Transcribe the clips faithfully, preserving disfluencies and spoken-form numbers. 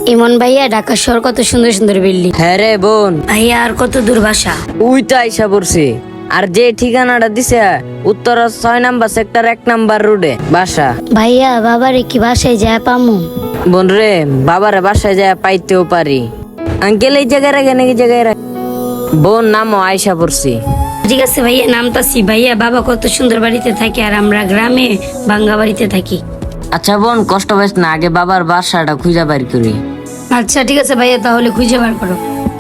ইমন ভাইয়া ঢাকা শহর কত সুন্দর সুন্দর বিল্ডিং। হ্যাঁ রে বোন, ভাইয়া আর কত দূর বাসা? উই তো আইসা পড়ছি। আর যে ঠিকানাটা দিছে উত্তর ছয় নাম্বার সেক্টর এক নাম্বার রোডে বাসা। ভাইয়া বাবারে কি বাসায় যায় পামু? বোন রে, বাবারে বাসায় যায় পাইতেও পারি। আঙ্কেল এই জায়গায় রাখে নাকি জায়গায় রাখে? বোন নামও আইসা পড়ছি। ঠিক আছে ভাইয়া নামতাছি। ভাইয়া বাবা কত সুন্দর বাড়িতে থাকে আর আমরা গ্রামে ভাঙ্গা বাড়িতে থাকি। আচ্ছা বোন কষ্ট পাইস না, আগে বাবার বাসাটা খুঁজা বাইর করি। আচ্ছা ঠিক আছে ভাইয়া, তাহলে খুঁজে বার করো।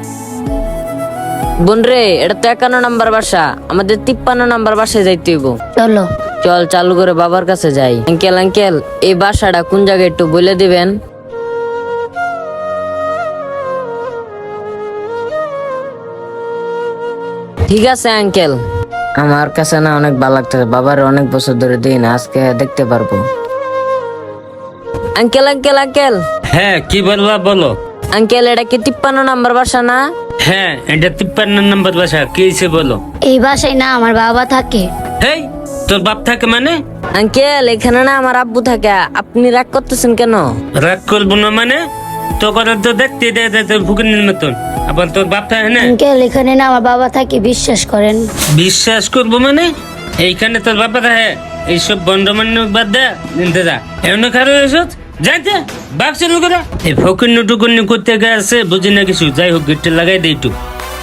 বোন রে, এটা তো একান্ন নাম্বার বাসা, আমাদের তিপ্পান্ন নাম্বার বাসায় যাইতে হইব। চলো। চল চালু করে বাবার কাছে যাই। আঙ্কেল আঙ্কেল এই বাসাটা কোন জায়গায় একটু বলে দিবেন? ঠিক আছে আঙ্কেল, আমার কাছে না অনেক ভালো লাগতেছে, বাবার অনেক বছর ধরে দিই না, আজকে দেখতে পারবো। আঙ্কেল আঙ্কেল আঙ্কেল হ্যাঁ, কি বলবা বলো। আঙ্কেল এটা কি তিপ্পান্ন নাম্বার বাসা না? হ্যাঁ, এটা তিপ্পান্ন নম্বর বাসা। কি হয়েছে বলো। এই বাসায় না আমার বাবা থাকে। হেই, তোর বাপ থাকে মানে? আঙ্কেল এখানে না আমার আব্বু থাকে, আপনি রাগ করতেছেন কেন? রাগ করবো না মানে? তো করে তো দেখতে দেয় তোর ভুকুনির মতন। আবার তোর বাপ থাকে না? আঙ্কেল এখানে না আমার বাবা থাকে, বিশ্বাস করেন। বিশ্বাস করবো মানে? এইখানে তোর বাপা থাকে? এইসব বন্ডমান্য বাদ দে, নিতে যা। এমন খারাপ এসব যাইতে বাপ চালু করে এই ফকুন্নু টুকুন্নু করতে গেছে, বুঝি না কিছু। যাই হোক, গেটটা লাগাই দে একটু।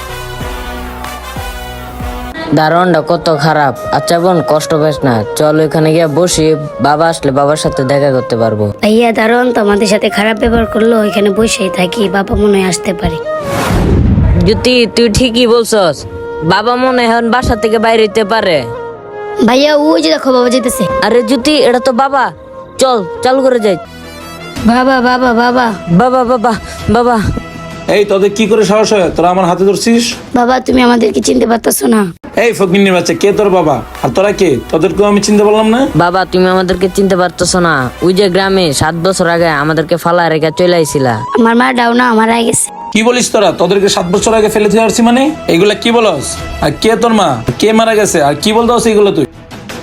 দারোয়ানটা কত খারাপ। আচ্ছা বোন কষ্ট পাইস না, চল ওখানে গিয়ে বসি, বাবা আসলে বাবার সাথে দেখা করতে পারবো। ভাইয়া দারুণ তো আমাদের সাথে খারাপ ব্যবহার করলো, এখানে বসেই থাকি, বাবা মনে হয় আসতে পারে। জ্যোতি তুই ঠিকই বলছস, বাবা মনে হয় এখন বাসা থেকে বাইরে হইতে পারে। ভাইয়া ওই যে দেখো বাবা যেতেছে। আরে জ্যোতি এটা তো বাবা, চল চালু করে যাই। বাবা বাবা বাবা বাবা বাবা বাবা এই তোদের কি করে সাহস হয় তোরা আমার হাতে ধরছিস? বাবা তুমি আমাদেরকে চিনতে পারতেছো না? এই ফকিন্নির বাচ্চা, কে তোর বাবা আর তোরা কে? তোদেরকেও আমি চিনতে পারলাম না। বাবা তুমি আমাদেরকে চিনতে পারতেছো না? ওই যে গ্রামে সাত বছর আগে আমাদেরকে ফালা রেখে চলে আইছিলা। আমার মা ডাও না আমার আগে গেছে। কি বলিস তোরা? তোদেরকে সাত বছর আগে ফেলে দিয়ে আসছি মানে? এইগুলা কি বলস? আর কে তোর মা? কে মারা গেছে? আর কি বলতে হচ্ছে এইগুলো? তুই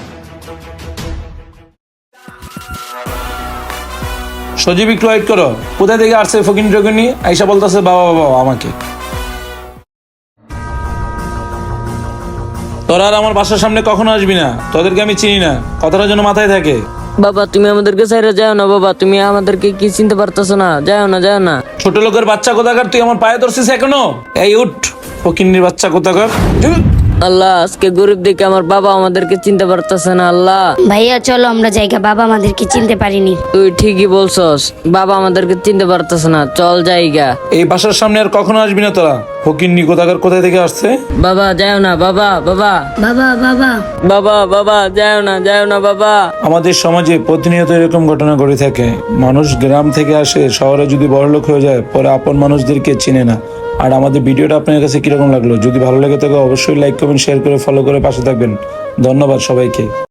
সজীব একটু ওয়েট করো। কোথায় থেকে আসছে ফকিন টকিনি? আইসা বলতেছে বাবা বাবা আমাকে। তোরা আর আমার বাসার সামনে কখনো আসবি না, তোদেরকে আমি চিনি না, কথাটা যেন মাথায় থাকে। বাবা তুমি আমাদেরকে ছাইরা যাও না, বাবা তুমি আমাদেরকে কি চিনতে পারতেছো না? যাও না যাও না। ছোট লোকের বাচ্চা কোথাকার, তুই আমার পায়ে ধরছিস এখনো? এই উঠ ফকিন্নির বাচ্চা কোথাকার। আল্লাহ আজকে গরিব দেখে আমার বাবা আমাদেরকে চিনতে পারতেছে না। আল্লাহ ভাইয়া চলো আমরা জায়গা, বাবা আমাদেরকে চিনতে পারিনি। তুই ঠিকই বলছস, বাবা আমাদেরকে চিনতে পারতেছে না, চল জায়গা। এই বাসার সামনে আর কখনো আসবি না তোরা। ফকিন্নি কোথাকার কোথায় থেকে আসছে? বাবা যাও না, বাবা বাবা বাবা বাবা বাবা বাবা যাও না যাও না বাবা। আমাদের সমাজে প্রতিনিয়ত এরকম ঘটনা ঘটে থাকে। মানুষ গ্রাম থেকে আসে, শহরে যদি বড়লোক হয়ে যায়, পরে আপন মানুষদেরকে চিনে না। আর আমাদের ভিডিওটা আপনার কাছে কিরকম লাগলো? যদি ভালো লাগে থাকে অবশ্যই লাইক কমেন্ট শেয়ার করে ফলো করে পাশে থাকবেন। ধন্যবাদ সবাইকে।